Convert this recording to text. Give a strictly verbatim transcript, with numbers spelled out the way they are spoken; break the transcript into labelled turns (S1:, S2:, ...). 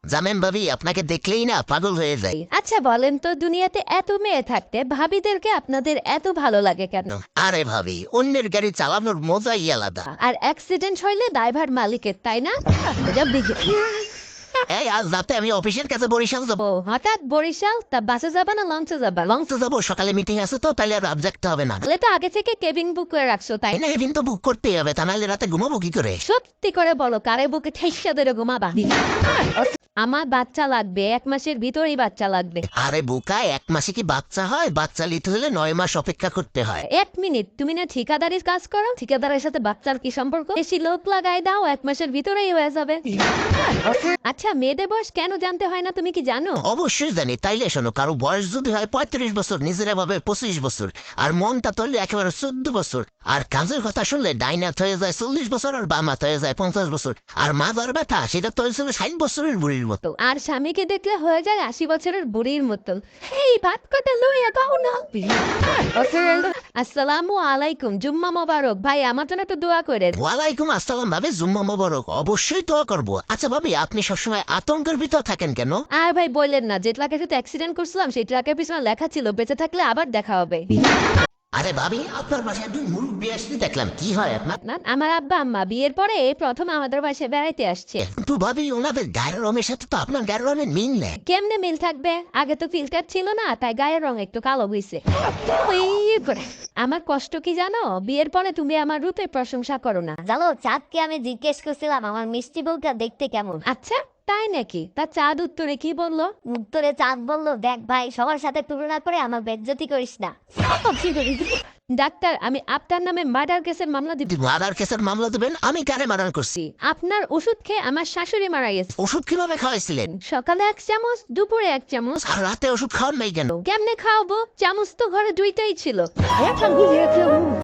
S1: জানেন ভাবি, আপনাকে দেখলেই না পাগল হয়ে যায়।
S2: আচ্ছা বলেন তো, দুনিয়াতে এত মেয়ে থাকতে ভাবিদেরকে আপনাদের এত ভালো লাগে কেন?
S1: আরে ভাবি, অন্যের গাড়ি চালানোর মজাই আলাদা।
S2: আর অ্যাক্সিডেন্ট হইলে ড্রাইভার মালিকের, তাই না? এটা বিঘে-
S1: এই আজ রাতে আমি অফিসের কাছে বরিশাল যাবো।
S2: ও হঠাৎ বরিশাল? তা বাসে যাবা না লঞ্চে যাবা?
S1: লঞ্চে যাবো, সকালে মিটিং আছে তো, তাহলে আর রাত জাগতে হবে না।
S2: তাহলে তো আগে থেকে কেবিন বুক করে রাখছো, তাই
S1: তাই
S2: না?
S1: না, এদিন তো বুক করতেই হবে, তা নাহলে রাতে ঘুমাবো কি করে?
S2: সত্যি করে বলো, কারে বুকে ঠেসা ধরে ঘুমাবা? আমার বাচ্চা লাগবে, এক মাসের ভিতরেই বাচ্চা লাগবে।
S1: আরে বোকা, এক মাসে কি বাচ্চা হয়? বাচ্চা নিতে হলে নয় মাস অপেক্ষা করতে হয়।
S2: এক মিনিট, তুমি না ঠিকাদারির কাজ করো? ঠিকাদারের সাথে বাচ্চার কি সম্পর্ক? বেশি লোক লাগাই দাও, এক মাসের ভিতরেই হয়ে যাবে। আচ্ছা, মেয়েদের বয়স কেন জানতে হয় না, তুমি কি জানো?
S1: অবশ্যই জানি, তাইলে শোনো, কারো বয়স যদি হয় পঁয়ত্রিশ বছর, নিজেরা ভাবে পঁচিশ বছর, আর মনটা তৈরি একেবারে চোদ্দ বছর, আর কাজের কথা শুনলে ডাইনাথ হয়ে যায় চল্লিশ বছর, আর বামাত হয়ে যায় পঞ্চাশ বছর, আর মাদার ব্যথা সেটা তো হয়েছিল ষাট বছরের বুড়ির মতো।
S2: আর স্বামীকে দেখলে হয়ে যায় আশি বছরের বুড়ির মতন। এই ভাত কটা লইয়া দাও না। আসসালামু আলাইকুম, জুম্মা মোবারক। ভাই আমার জন্য একটু দোয়া করে।
S1: ওয়ালাইকুম আসসালাম ভাবি, জুম্মা মোবারক। অবশ্যই দোয়া করবো। আচ্ছা ভাবি, আপনি সবসময় আতঙ্কের ভিতর থাকেন কেন?
S2: আর ভাই বললেন না, যে ট্রাকের সাথে অ্যাক্সিডেন্ট করছিলাম সেই ট্রাকের পিছনে লেখা ছিল বেঁচে থাকলে আবার দেখা হবে।
S1: আরে ভাবি, আপনার বাসায় দুই মুরব্বী আসতে দেখলাম, কি হয় আপনার?
S2: না, আমার আব্বা আম্মা বিয়ের পরে এই প্রথম আমাদের বাসায় বেড়াইতে আসছে।
S1: কিন্তু ভাবি, ওনাদের গায়ের রঙের সাথে তো আপনার গায়ের রঙের মিল নেই।
S2: কেমনে মিল থাকবে? আগে তো ফিল্টার ছিল না, তাই গায়ের রং একটু কালো হইছে। ওই করে। আমার কষ্ট কি জানো? বিয়ের পরে তুমি আমার রূপের প্রশংসা করো না।
S3: জানো, চাঁদকে আমি জিজ্ঞেস করছিলাম আমার মিষ্টি বউটা দেখতে কেমন।
S2: আচ্ছা, তাই নাকি? তা চাঁদ উত্তরে কি বললো?
S3: উত্তরে চাঁদ বলল, দেখ ভাই, সবার সাথে তুলনা করে আমার বেজ্জতি করিস না।
S2: কি করি? ডাক্তার, আমি আপনার নামে মার্ডার কেসের মামলা দিব।
S1: মারার কেসের মামলা দেবেন? আমি কারে মারান করছি?
S2: আপনার ওষুধ খেয়ে আমার শাশুড়ি মারা গেছে।
S1: ওষুধ কিভাবে খাওয়াইছিলেন?
S2: সকালে এক চামচ, দুপুরে এক চামচ।
S1: আর রাতে ওষুধ খাওয়ান নাই কেন?
S2: কেমনে খাওয়াবো? চামচ তো ঘরে দুইটাই ছিল।